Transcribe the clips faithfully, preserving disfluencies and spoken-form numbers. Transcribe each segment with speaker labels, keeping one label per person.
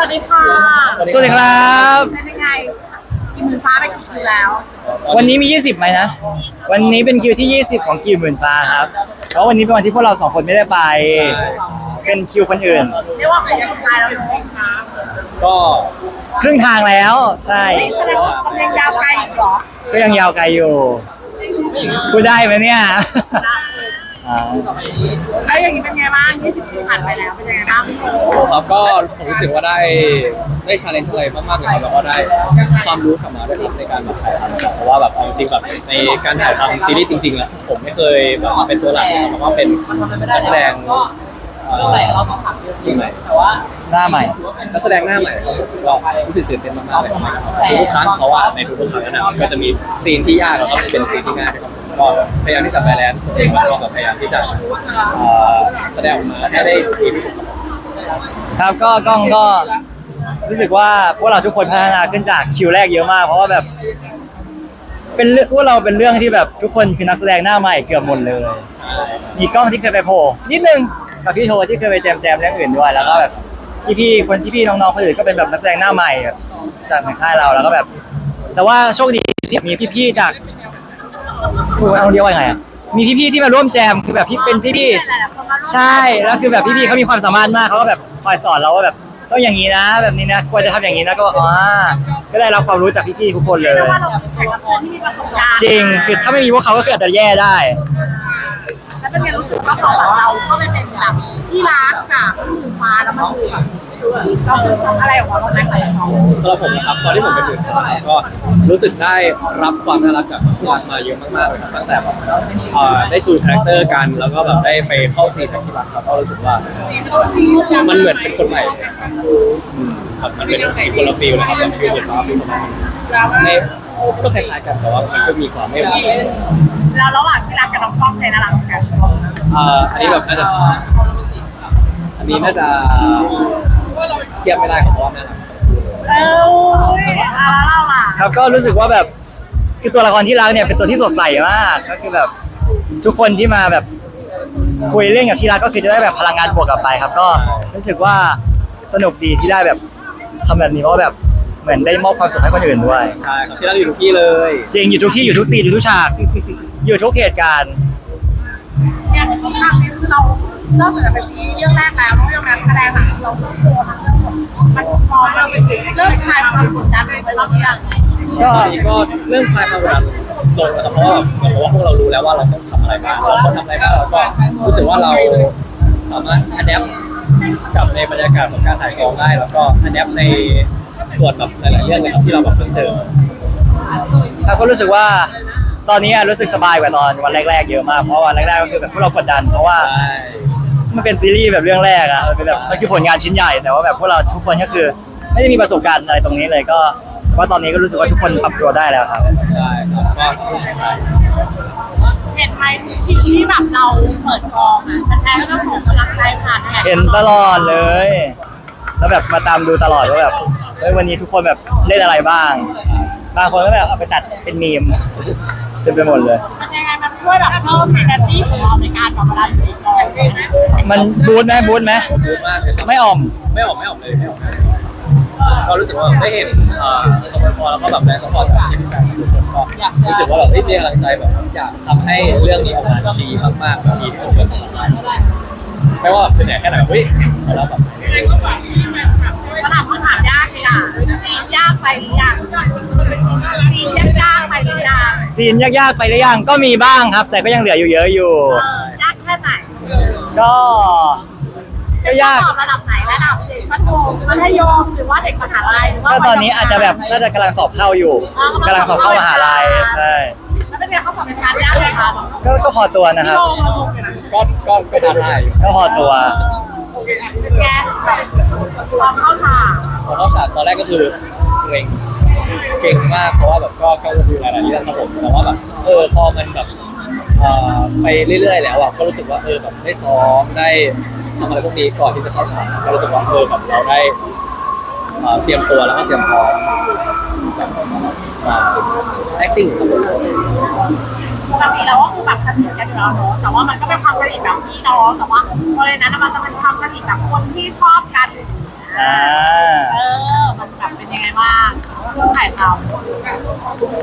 Speaker 1: วัสดีค่ะ
Speaker 2: สวัสดีครับ
Speaker 1: เป็นยังไงกินหมื่นฟ้าไปกี่คิวแล้ว
Speaker 2: วันนี้มียี่สิบไหมนะ วันนี้เป็นคิวที่ยี่สิบของคิวหมื่นฟ้าครับเพราะวันนี้เป็นวันที่พวกเราสองคนไม่ได้ไป เป็นคิวคนอื่น
Speaker 1: เรียกว่าของสุดท้ายแล้วเนอะ
Speaker 3: ก็
Speaker 2: ครึ่งทางแล้ว ใช่
Speaker 1: แสดงว่ากำลังยาวไกลอีกเหรอ
Speaker 2: ก็ยังยาวไกลอยู่พูดได้ไหมเนี่ยอ่า
Speaker 1: แล้วอย่างนี้เป็นไงบ้างยี่สิบคิวผ่านไปแล้วเป็นยังไงบ้างพี่โต
Speaker 3: ครับก็ผมรู้สึกว่าได้ได้ชาเลนจ์อะไรมากๆเลยครับแล้วก็ได้ความรู้กลับมาด้วยครับในการแบบถ่ายทำครับเพราะว่าแบบเอาจริงๆแบบในการถ่ายทำซีรีส์จริงๆอะผมไม่เคยแบบมาเป็นตัวหลักเลยครับแล้วก็เป็นนักแสดงเอ่อที่ใหม่แต่ว่า
Speaker 2: หน้าใหม่
Speaker 3: นักแสดงหน้าใหม่ครับผมก็รู้สึกตื่นเต้นมากๆเลยครับทุกๆครั้งเพราะว่าในทุกๆครั้งนั้นนะก็จะมีซีนที่ยากแล้วก็เป็นซีนที่ง่ายครับผมก็พยายามที่จะแบลนซ์แล้วก็พยายามที่จะเอ่อแสดงออกมาให้ได้ดีที่สุดครับ
Speaker 2: ครับก็กล้องก็รู้สึกว่าพวกเราทุกคนพัฒนาขึ้นจากคิวแรกเยอะมาก เพราะว่าแบบ เป็นเรื่องพวกเราเป็นเรื่องที่แบบทุกคนคือนักแสดงหน้าใหม่เกือบหมดเลย
Speaker 3: ใช่
Speaker 2: มีกล้องที่เคยไปโผล่นิดนึงกับพี่โทที่เคยไปแจมแจมเรื่องอื่นด้วยแล้วก็แบบพี่ๆคนที่พี่น้องๆคนอื่นก็เป็นแบบนักแสดงหน้าใหม่แบบจากในค่ายเราแล้วก็แบบ แต่ว่าโชคดีที่มีพี่ๆจากคือเอาเรียกว่าไงอ่ะมีพี่ๆที่มาร่วมแจมคือแบบพี่เป็นพี่ๆใช่แล้วคือแบบพี่ๆเขามีความสามารถมากเขาก็แบบคอยสอนเราว่าแบบต้องอย่างนี้นะ แบบนี้นะควรจะทำอย่างนี้นะก็อ๋อก็ได้รับความรู้จากพี่ๆทุกคนเลย
Speaker 1: เรียกว่าเราเป็นแขกรับเชิญที่มีประสบการณ์
Speaker 2: จริงคือถ้าไม่มีพวกเขาก็คืออาจจะแย่ได้
Speaker 1: แล้วเป็นไงรู้สึกว่าพอแบบเราเข้าไปเป็นแบบที่รักกับหมื่นฟ้าแล้วมันคือแบบเราคือทำอะไรออกมาบ้างไหมกับเขา
Speaker 3: สำหรับผมนะครับตอนที่ผมเป็นหมื่นฟ้าก็รู้สึกได้รับความน่ารักจากที่รักมาเยอะมากๆเลยครับตั้งแต่แบบเอ่อได้จูนคาแรคเตอร์กันแล้วก็แบบได้ไปเข้าซีนกับที่รักครับก็รู้สึกว่ามันเหมือนเป็นคนใหม่เลยครับอืมครับมันเป็นอีกคนละฟีลนะครับกับฟีลหมื่นฟ้าฟีลของเราในก็คล้ายๆกันแต่ว่ามันก็มีความไม่เหมือนกัน
Speaker 1: แล้วระหว่างที่รักกับน้องกล้องใครน่ารักกว่ากัน
Speaker 3: เอ่ออันนี้แบบน่าจะอันนี้น่าจะเทียบไม่ได้ครับเพราะว่าน่ารัก
Speaker 1: เอ้ยอ่ะแล้วเราล่ะ
Speaker 2: ครับก็รู้สึกว่าแบบคือตัวละครที่รักเนี่ยเป็นตัวที่สดใสมากก็คือแบบทุกคนที่มาแบบคุยเรื่องกับที่รักก็คือจะได้แบบพลังงานบวกกลับไปครับ ก็รู้สึกว่าสนุกดีที่ได้แบบทำแบบนี้เพราะว่าแบบเหมือนได้มอบความสุขให้คนอื่นด้วย
Speaker 3: ใช่ครับที่รักอยู่ทุกที่เลย
Speaker 2: จริงอยู่ทุกที่อยู่ทุกซีนอยู่ทุกฉากอยู่ทุกเหตุการณ์
Speaker 1: เนี่ยเห็นว่าภาพนี้คือเรานอกจากจะเป็นซีรีส์เรื่องแรกแล้วเรื่องการแสดงหลังเราต้องโชว์ทั้งเรื่องของมันมองเราเริ่มคลายความกดดันเลยไปรอบนี้อ่ะ
Speaker 2: ก็
Speaker 3: ตอนนี้ก็เรื่องคลายความกดดันลงนะครับเพราะว่าเหมือนกับว่าพวกเรารู้แล้วว่าเราต้องทำอะไรบ้างเราต้องทำอะไรบ้างแล้วก็รู้สึกว่าเราสามารถอัดแอปกับในบรรยากาศของการถ่ายกองได้ แล้วก็อัดแอปในส่วนแบบหลายๆเรื่องเลยครับที่เราแบบเพิ่งเจอ
Speaker 2: ครับก็รู้สึกว่าตอนนี้อะรู้สึกสบายกว่าตอนวันแรกๆเยอะมากเพราะวันแรกๆก็คือแบบพวกเรากดดัน เพราะว่า
Speaker 3: ใช่
Speaker 2: มันเป็นซีรีส์แบบเรื่องแรกอะมันเป็นแบบมันคือผลงานชิ้นใหญ่แต่ว่าแบบพวกเราทุกคนก็คือไม่ได้มีประสบการณ์อะไรตรงนี้เลยก็ว่าตอนนี้ก็รู้สึกว่าทุกคนปรับตัวได้แล้วครับ
Speaker 3: ใช่ครับก็ใช่
Speaker 1: เห็นไหมทีที่แบบเราเปิดกองอ่ะแฟนๆก็จะส่งกำลังใจผ่านแท็ก
Speaker 2: เห็นตลอดเลย แล้วแบบมาตามดูตลอดว่าแบบเฮ้ยวันนี้ทุกคนแบบเล่นอะไรบ้าง บางคนก็แบบเอาไปตัดเป็นมีม เต็มไปหมดเลย
Speaker 1: มันยังไงมันช่วยแบบเพิ่ม energy ของเราในการแบบเวลาอยู่ในกองใช่ไหม
Speaker 2: มันบูทไหมบูทไหม
Speaker 3: บู๊มากเลยครับ
Speaker 2: ไม่อ่อม
Speaker 3: ไม่ออกไม่ออกเลยไม่ออกเลยก็รู้สึกว่าได้เห็นเอ่อสปอร์ตแล้วก็แบบแรงสปอร์ตจากทีมงานทุกคนก็รู้สึกว่าแบบเฮ้ยมีกำลังใจแบบอยากทำให้เรื่องนี้ออกมาดีมากๆแบบดีที่สุดเลยไม่ว่าแบบจะเหนื่อยแค่ไหนแบบเฮ้ยเขาแล้วแบบ
Speaker 1: มันถามคำถามยากเลยอ่ะซีนยากไปหรือยังซีนยากยากไปหรือยัง
Speaker 2: ซีนยากๆไปหรือยังก็มีบ้างครับ แต่ก็ยังเหลืออยู่เยอะอยู่
Speaker 1: เออยากแค่ไหน
Speaker 2: ก็ก็ยาก
Speaker 1: สอบระดับไหนระดับเด็กมัธยมมัธยมหรือว่าเด็กมหาลัยหรือว่า
Speaker 2: ก็ตอนนี้อาจจะแบบน่าจะกำลังสอบเข้าอยู่กำลังสอบเข้ามหาลัยใช่
Speaker 1: แล้วเป็นไงเขาสอบเป็นการยากไหมคะ
Speaker 2: ก็ก็พอตัวนะค
Speaker 1: พี่
Speaker 2: รับ
Speaker 1: โลมาลงกันนะ
Speaker 3: ก็ก็ก็ทำได้อยู่
Speaker 2: ก็พอตัว
Speaker 1: แกแบบความเข้าฉาก
Speaker 3: พอนอกจากตอนแรกก็คือเกรงเก่งมากเพราะว่าแบบก็ก็ดูหลายๆเรื่องครับผมแต่ว่าแบบเออพอมันแบบเอ่อไปเรื่อยๆแล้วอ่ะก็รู้สึกว่าเออแบบได้ซ้อมได้ทำอะไรพวกนี้ก่อนที่จะเข้าฉากก็รู้สึกว่าเออแบบเราได้เอ่อเตรียมตัวแล้วก็เตรียมพร้อมแบบมา acting ครับผม
Speaker 1: ปกติเราก็คือแบบสนิทกันอยู่แล้วเนอะแต่ว่ามันก็เป็นความสนิทแบบพี่น้องแต่ว่าพอเลยนั้นมันจะเป็นความสนิทแบบคนที่ชอบกัน
Speaker 2: อ่า
Speaker 1: เออ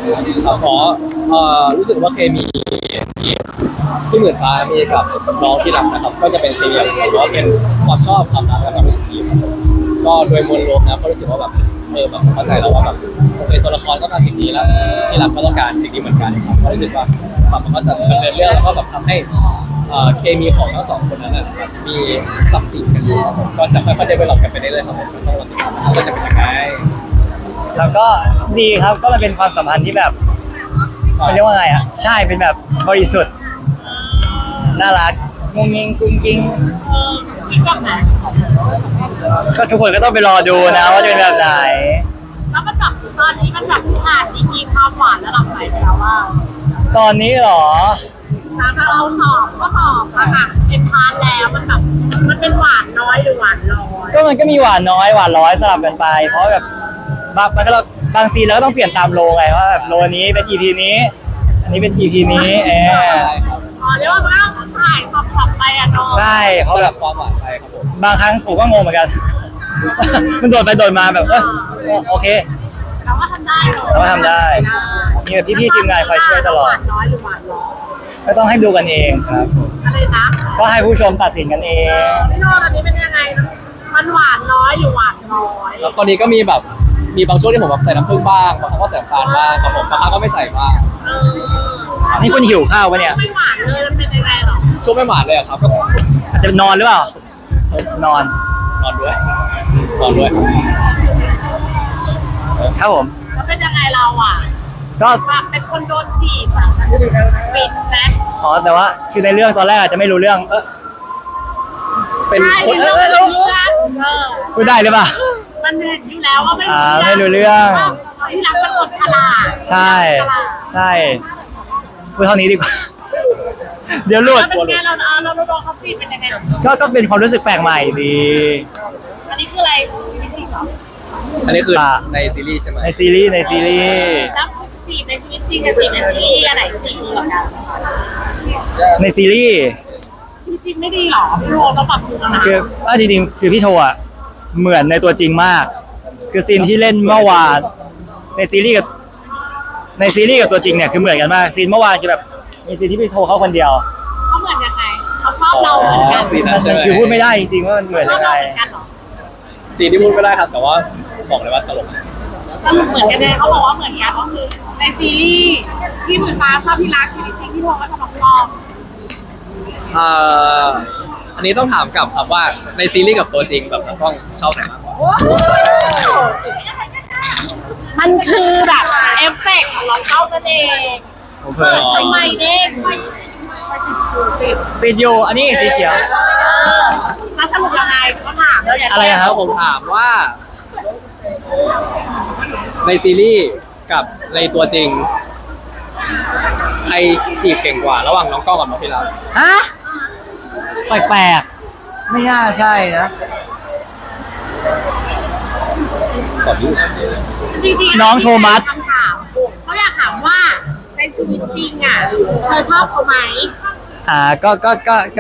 Speaker 3: ครับขอเอ่อรู้สึกว่าเคมีที่ที่หมื่นฟ้ามีกับน้องที่รักนะครับ ก็จะเป็นเคมีหรือว่าเป็นความชอบความรักและความรู้สึกดีครับผมก็โดยมวลรวมนะก็รู้สึกว่าแบบเออแบบเข้าใจแล้วว่าแบบโอเคตัวละครต้องการสิ่งนี้แล้วที่รักก็ต้องการสิ่งนี้เหมือนกันครับก็รู้สึกว่าแบบมันก็จะดำเนินเรื่องแล้วก็แบบทำให้เอ่อเคมีของทั้งสองคนนั้นนะแบบมีสัมผัสกันอยู่ครับผมก็จะค่อยๆเดเวลลอปกันไปเรื่อยๆครับผมต้องรอติดตามว่าจะเป็นยังไง
Speaker 2: แล้วก็ดีครับก็มันเป็นความสัมพันธ์ที่แบบเขาเรียกว่าไงอ่ะใช่เป็นแบบบริสุทธิ์น่ารักงงงิงกุ้งกิ้ง
Speaker 1: เออคิดแบบไหน
Speaker 2: ก็ทุกคนก็ต้องไปรอดูนะว่าจะเป็นแบบไหน
Speaker 1: แล้วมันแบบตอนนี้มันแบบผ่านดีกรีความหวานระดับไหนไปแล้วว่า
Speaker 2: ตอนนี้เหรอ
Speaker 1: หลังจากเราสอบก็สอบอะค่ะเป็นพาร์ทแล้วมันแบบมันเป็นหวานน้อยหรือหวานร้อย
Speaker 2: ก็มันก็มีหวานน้อยหวานร้อยสลับกันไป เพราะแบบบางมันก็เราบางซีนเราก็ต้องเปลี่ยนตามโลไงว่าแบบโลนี้เป็น อี พี นี้ อันนี้เป็น อี พี นี้เออ
Speaker 1: อ๋อเรียกว่ามันต้องถ่ายสอบๆไปอะเนาะ
Speaker 2: ใช่เพ
Speaker 3: เขา
Speaker 2: ราะ
Speaker 3: แบ
Speaker 2: แบบ บ
Speaker 3: ความหวานไปครับผม
Speaker 2: บางครั้งผมก็งงเหมือนกัน มันโดดไปโดดมาแบบเออโอเค
Speaker 1: เราก็ทำได้เนอะ
Speaker 2: เราก็ทำได้มีแบบพี่ๆทีมงานคอยช่วยตลอด
Speaker 1: หวานน้อยหรือหวานร้อย
Speaker 2: ก็ต้องให้ดูกันเองครับ
Speaker 1: อะไรนะ
Speaker 2: ก็ให้ผู้ชมตัดสินกันเอง
Speaker 1: พี่โน่ตอนนี้เป็นยังไงนะมันหวานน้อยหรือหวานน้อย
Speaker 3: แล้วตอนนี้ก็มีแบบมีบางช่วงที่ผมแบบใส่น้ำผึ้งบ้างบางครั้งก็ใส่น้ำตาลบ้างครับผมบางครั้งก็ไม่ใส่บ้าง
Speaker 1: เออ
Speaker 2: นี่คุณหิวข้าวปะเนี่ย
Speaker 1: ไม่หวานเลยมันเป็นยังไงหรอ
Speaker 3: ช่วงไม่หวานเลยอะครับก็
Speaker 2: อาจจะนอนหรือเปล่า นอน
Speaker 3: นอนด้วยนอนด้วย
Speaker 2: ครับผม
Speaker 1: แล้วเป็นยังไงเราอ่ะ
Speaker 2: ก็
Speaker 1: แบบเป็นคนโดนจีบอะปิดไหม
Speaker 2: อ๋อแต่ว่าคือในเรื่องตอนแรกอาจจะไม่รู้เรื่อง เออ
Speaker 3: เป็น
Speaker 1: ใช่
Speaker 3: คน
Speaker 1: เรื่องมันรู้เรื่องเออ
Speaker 2: พูดได้หรือเปล่า
Speaker 1: มันเห็นอยู่แล้วว่าไม่
Speaker 2: อ่าไม่รู้เรื่อง
Speaker 1: ว่าที่รักเป็นคนฉลาด
Speaker 2: ใช่
Speaker 1: ฉลาด
Speaker 2: ใช่พูดเท่านี้ดีกว่า เดี๋ยวหลุด
Speaker 1: แล้วเป็นไงเราเอาเราโดนเขาจีบเป็นยังไง
Speaker 2: ก็ก็เป็นความรู้สึกแปลกใหม่ดี
Speaker 1: อันนี้คืออะไรจริงเหรอ
Speaker 3: อันนี้คือ
Speaker 2: ป่ะ
Speaker 3: ในซีรีส์ใช่ไหม
Speaker 2: ในซีรีส์ในซีรีส์
Speaker 1: แล้วจีบในชีวิตจริงกับจีบในซีรีส์อันไหนจีบดีกว่ากัน
Speaker 2: ในซีรีส์
Speaker 1: ชีวิตจริงไม่ดีหรอพี่โรต้องปรับปรุงแล้วนะ
Speaker 2: คือว่าจริงๆคือพี่โทอ่ะเหมือนในตัวจริงมาก คือซีนที่เล่นเมื่อวานในซีรีส์กับในซีรีส์กับตัวจริงเนี่ยคือเหมือนกันมากซีนเมื่อวานคือแบบมีซีนที่พี่โทเขาคนเดียว
Speaker 1: เขาเหมือนยังไงเขาชอบเราเหมือนกัน
Speaker 3: ซีนนั้นใช่ไหม
Speaker 2: คือพูดไม่ได้จริงๆว่ามันเหมือน
Speaker 1: ชอ
Speaker 2: ยั
Speaker 1: บ
Speaker 2: งไง
Speaker 1: เราเหมือนกันเหรอ
Speaker 3: ซีนที่พูดไม่ได้ครับ แต่ว่าบอกเลยว่าตลก
Speaker 1: สรุปเหมือนกันเลยเขาบอกว่าเหมือนกันก็คือในซีรีส์ที่หมื่นฟ้าชอบพี่รักชีวิตจริงที่โทก็ชอบน้องปอม
Speaker 3: อ่าอันนี้ต้องถามกลับครับว่าในซีรีส์กับตัวจริงแบบน้องกล้องชอบไหนมากกว่า
Speaker 1: มันคือแบบเอฟเฟกต์ของน้องเต้านั่นเอง
Speaker 2: ผมเค
Speaker 1: เปิ
Speaker 2: ย
Speaker 1: ดทำไมเด้ง
Speaker 2: ติดอยู่อันนี้สีเขียว
Speaker 1: แล้วสรุปยังไงเขาถามแล้วอย่า
Speaker 2: อะไรอะค
Speaker 3: แล้
Speaker 2: รับ
Speaker 3: วผมถามว่า ในซีรีส์กับในตัวจริง ใครจีบเก่งกว่า ระหว่างน้องกล้องกับน้องพิลา
Speaker 2: ฮะแปลกๆไม่น่าใช่นะ
Speaker 3: ตอบยุ่ง
Speaker 1: จริงๆ
Speaker 2: น้องโทมัส
Speaker 1: คำถามเขาอยากถามว่าในชีวิตจริงอ่ะเธอชอบเขาไหม
Speaker 2: อ่าก็ก็ก็ก็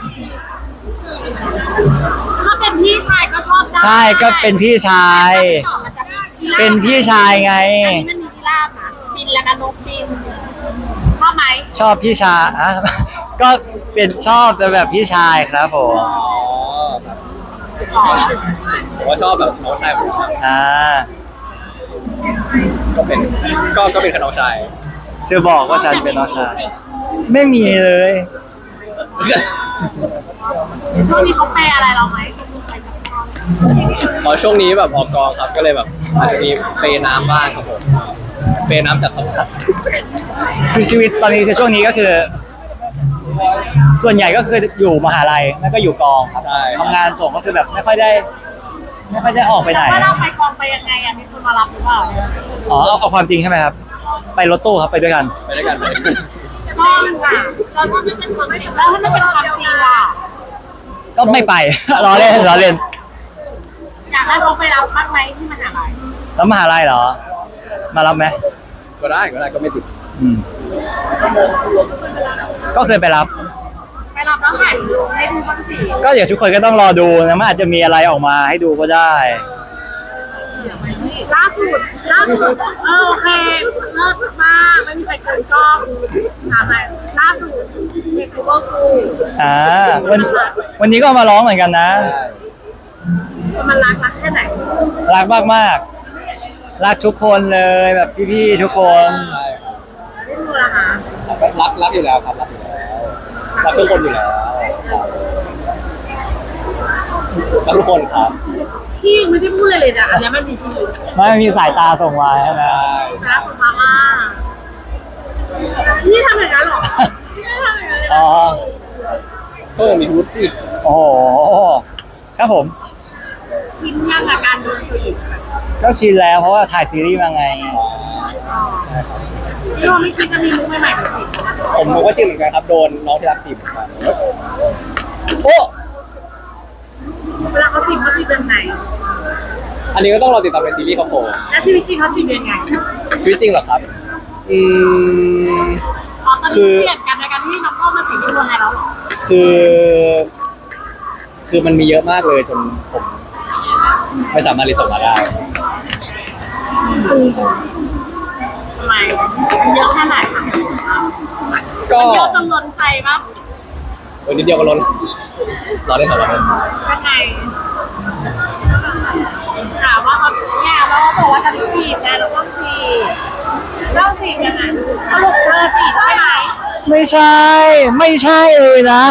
Speaker 1: ถ้าเป็นพี่ชายก็ชอบได้
Speaker 2: ใช่ก็เป็นพี่ชาย
Speaker 1: ต่อมาจากพิราบ
Speaker 2: เป็นพี่ชายไง
Speaker 1: อันนี้มันมีพิราบนะบินแล้วนะนกบินชอบไหม
Speaker 2: ชอบพี่ชายอ่ะ ก็เป็นชอบแต่แบบพี่ชายครับผม
Speaker 3: อ๋อครับผมว่าชอบแบบน้องชายผมครับ
Speaker 2: อ่า
Speaker 3: ก็เป็นก็ก็เป็นขน้องชาย
Speaker 2: จะบอกว่าฉันเป็นน้องชายไม่มีเลย
Speaker 1: ช่วงนี้เขาแปลอะไรเราไหม
Speaker 3: พอช่วงนี้แบบออกกองครับก็เลยแบบอาจจะมีเปย์น้ำบ้างครับผมเปย์น้ำจากสมุทร
Speaker 2: คือชีวิตตอนนี้คือช่วงนี้ก็คือ ส่วนใหญ่ก็คืออยู่มหาลัยแล้วก็อยู่กองครับ
Speaker 3: ใช่
Speaker 2: ทำงานส่งก็คือแบบไม่ค่อยได้ ไม่ค่อยได้ออกไปไหน
Speaker 1: แต่ว่าเราไปกองไปยังไงอ่ะมีคนมารับหรือเปล่า
Speaker 2: อ๋อเอาเอาความจริงใช่ไหมครับ ไปรถตู้ครับไปด้วยกัน
Speaker 3: ไปด้วยกันไปด้วยกัน
Speaker 1: กองค่ะแล้วถ้าไม่เป็นความแล้วถ้าไม่เป็นความจริงล่ะ
Speaker 2: ก็ไม่ไป ล้อเล่นล้อเล่น
Speaker 1: อยากให้เขาไปรับบ้างไหมที่มหาลัย
Speaker 2: แล้วมหาลัยเหรอ มารับไหม
Speaker 3: ก็ได้ก็ได้ก็ไม่ติด
Speaker 2: อืม ก็เคยไปรับ
Speaker 1: ไปรับแล้วถ่ายวิดีโอให้ดูบ้างสิ
Speaker 2: ก็เดี๋ยวทุกคนก็ต้องรอดูนะมันอาจจะมีอะไรออกมาให้ดูก็ได้
Speaker 1: ล่าสุดล่าสุดเออโอเคเลิศมากไม่มีใครเกินกล้องถามไปล่าสุดเด็กคูเวอร์คู
Speaker 2: อ่าวันวันนี้ก็มาร้องเหมือนกันนะ
Speaker 1: มันรักรักแค่ไหน
Speaker 2: รักมากมากๆรักทุกคนเลยแบบพี่ๆทุกคน
Speaker 3: ใช่ครับ
Speaker 1: ไม่รู้ละคะ
Speaker 3: รักรักอยู่แล้วครับรักอยู่แล้วรักทุกคนอยู่แล้วรักทุกคนครับ
Speaker 1: พี่ไม่ได้พูดเลยเลยนะอันนี้มันมีพี่
Speaker 2: ไม่มีสายตาส่งมาใช่ไหม
Speaker 3: ใช่
Speaker 1: รักคุณมาม่าพี่ทำอย่างนั้นเหรอพี่ไม่ทำอย่างนั้นเลย
Speaker 2: อ๋อ
Speaker 3: ก็ยังมีวุฒิสิ
Speaker 2: โอ้โหครับผม
Speaker 1: ชินยังกับการโดนตัวหญิง
Speaker 2: ก็ชินแล้วเพราะว่าถ่ายซีรีส์มาไง
Speaker 1: พี่ว่าไม่คิดจะมีมุกใหม่ๆแบบนี้
Speaker 3: ผมผมก็ชินเหมือนกันครับโดนน้องที่รักจีบเหมือนกัน
Speaker 2: โอ้
Speaker 1: เวลาเขาจีบเขาจีบแบบไหน
Speaker 3: อันนี้ก็ต้องรอติดตามในซีรีส์ครับผม
Speaker 1: แล้วชีวิตจริงเขาจีบยังไง
Speaker 3: ชีวิตจริงเหรอครับอืม
Speaker 1: อ๋อตอนนี้เปลี่ยนกันในการที่น้องก็มาจีบพี่คนไทยแล้วเหรอ
Speaker 3: คือ คือมันมีเยอะมากเลยจนผมไม่สามารถรีสอร์ทมาได้
Speaker 1: ทำไมเยอะแค่ไหนคะ
Speaker 3: ก็
Speaker 1: เยอะจนล้นใจปะ
Speaker 3: วันนิดเดียวก็ล้นรอได้สองวันเลย
Speaker 1: ยังไงถามว่าเขาแง่ว่าเขาบอกว่าจะจีบนะแล้วก็จีบแล้วจีบยังไงสรุปเธอจีบใช่ไหม
Speaker 2: ไม่ใช่ ไม่ใช่เลยนะ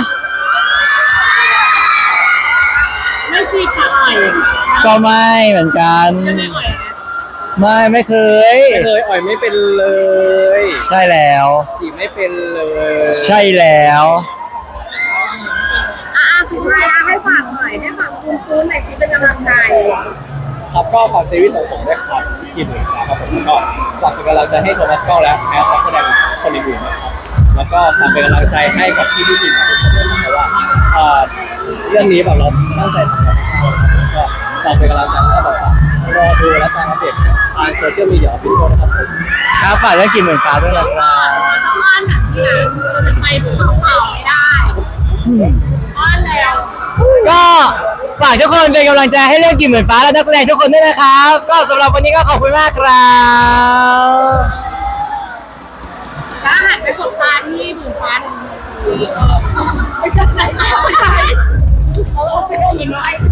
Speaker 1: ไม่จีบค่ะอ่อย
Speaker 2: ก็ไม่เหมือนกัน
Speaker 1: ยังไงอ่อย
Speaker 2: ไม่ไม่เคย
Speaker 3: ไม่เคยอ่อยไม่เป็นเลย
Speaker 2: ใช่แล้ว
Speaker 3: จีบไม่เป็นเลย
Speaker 2: ใช่แล้ว
Speaker 1: อ่ะสุดท้ายให้ฝากหน่อยให้ฝากคุณฟื้นหน่อยสิเป็นกำลังใจ
Speaker 3: ครับก็ฝากซีรีส์ของผมด้วยครับชิคกี้พายนะครับผมแล้วก็ฝากเป็นกำลังใจให้โทมัสเก้าและแอสแสดงคนอื่นๆนะครับแล้วก็ฝากเป็นกำลังใจให้กับพี่พี่ทีมทุกคนด้วยนะเพราะว่าเอ่อเรื่องนี้แบบเราตั้งใจทำกันมากๆก็ฝากเป็นกำลังใจให้แบบรอดูและตามอัปเดตทางโซเชียลมีเดียออฟฟิเชียลนะครับผม
Speaker 2: ครับฝากเรื่องกินหมื่นฟ้าด้วยนะครับ
Speaker 1: ต้องอ้อนแบบนี้นะเราจะไปภูเขาเปล่าไม่ได้
Speaker 2: อืม
Speaker 1: อ้อนแล้ว
Speaker 2: ก็ฝากทุกคนเป็นกำลังใจให้เรื่องกินหมื่นฟ้าและนักแสดงทุกคนด้วยนะครับ ก็สำหรับวันนี้ก็ขอบคุณมากครับ
Speaker 1: แล้วหันไปสบตาที่หมื่นฟ้าหนึ่งทีไม่ใช่ไม่ใช่เขาเอาไปเอาเงินไว้